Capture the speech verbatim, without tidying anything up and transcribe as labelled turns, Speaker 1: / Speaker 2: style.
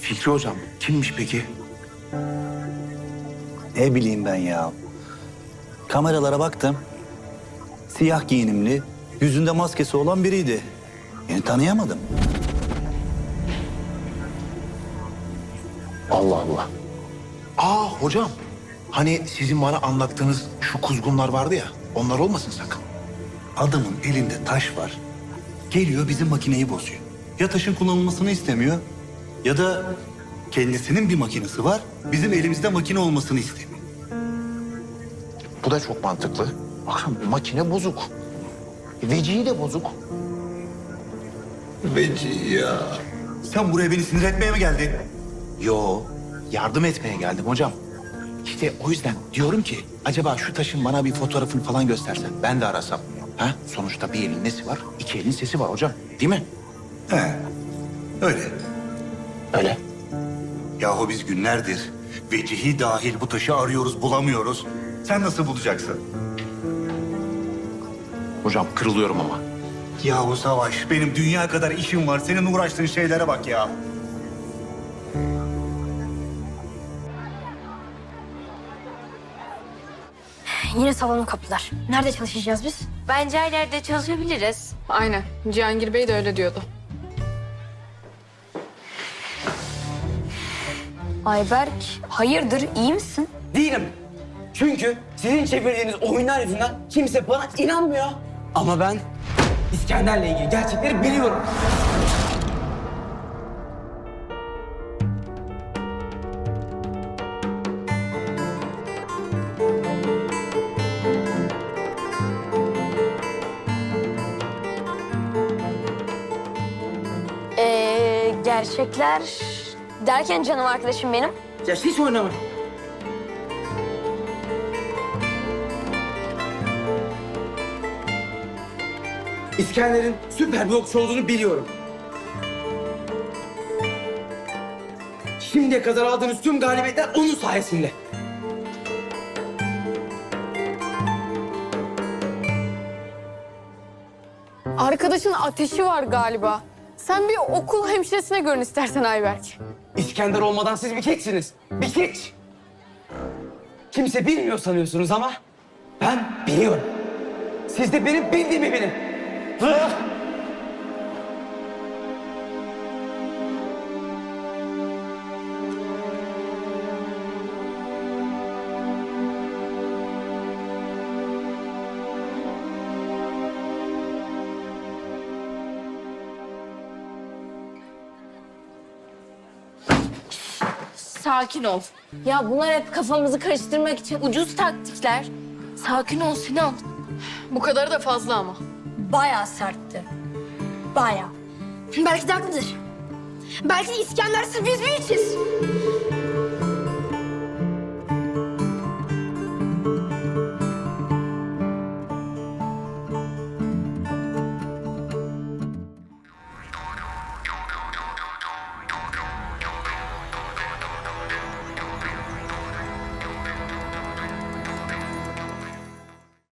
Speaker 1: Fikri hocam kimmiş peki?
Speaker 2: Ne bileyim ben ya. Kameralara baktım. Siyah giyinimli, yüzünde maskesi olan biriydi. Yani tanıyamadım.
Speaker 1: Allah Allah. Aa hocam. Hani sizin bana anlattığınız şu kuzgunlar vardı ya. Onlar olmasın sakın.
Speaker 2: Adamın elinde taş var. Geliyor bizim makineyi bozuyor. Ya taşın kullanılmasını istemiyor ya da kendisinin bir makinesi var. Bizim elimizde makine olmasını istemiyor.
Speaker 1: Bu da çok mantıklı. Baksana makine bozuk. Vecihi de bozuk.
Speaker 2: Veci ya. Sen buraya beni sinir etmeye mi geldin?
Speaker 1: Yo, yardım etmeye geldim hocam. İşte o yüzden diyorum ki acaba şu taşın bana bir fotoğrafını falan göstersen ben de arasam. Ha? Sonuçta bir elin nesi var? İki elin sesi var hocam. Değil mi?
Speaker 2: He, öyle.
Speaker 1: Öyle.
Speaker 2: Yahu biz günlerdir vecihi dahil bu taşı arıyoruz, bulamıyoruz. Sen nasıl bulacaksın?
Speaker 1: Hocam kırılıyorum ama.
Speaker 2: Yahu Savaş, benim dünya kadar işim var. Senin uğraştığın şeylere bak ya.
Speaker 3: Yine salonu kapılar. Nerede çalışacağız biz?
Speaker 4: Bence her yerde çalışabiliriz.
Speaker 5: Aynen. Cihangir Bey de öyle diyordu.
Speaker 3: Ayberk, hayırdır, iyi misin?
Speaker 6: Değilim. Çünkü sizin çevirdiğiniz oyunlar yüzünden kimse bana inanmıyor. Ama ben İskender'le ilgili gerçekleri biliyorum.
Speaker 3: Ee, gerçekler derken canım arkadaşım benim.
Speaker 6: Ya hiç oynamayın. İskender'in süper bir okçu olduğunu biliyorum. Şimdiye kadar aldığınız tüm galibiyetler onun sayesinde.
Speaker 5: Arkadaşın ateşi var galiba. Sen bir okul hemşiresine görün istersen Ayberk.
Speaker 6: İskender olmadan siz bir keçsiniz. Bir keç. Kimse bilmiyor sanıyorsunuz ama ben biliyorum. Siz de benim bildiğimi bilin. Hı?
Speaker 4: Sakin ol. Ya bunlar hep kafamızı karıştırmak için ucuz taktikler. Sakin ol Sinan.
Speaker 5: Bu kadarı da fazla ama.
Speaker 3: Bayağı sertti. Bayağı. Belki de haklıdır. Belki de İskender sırf biz büyüyeceğiz.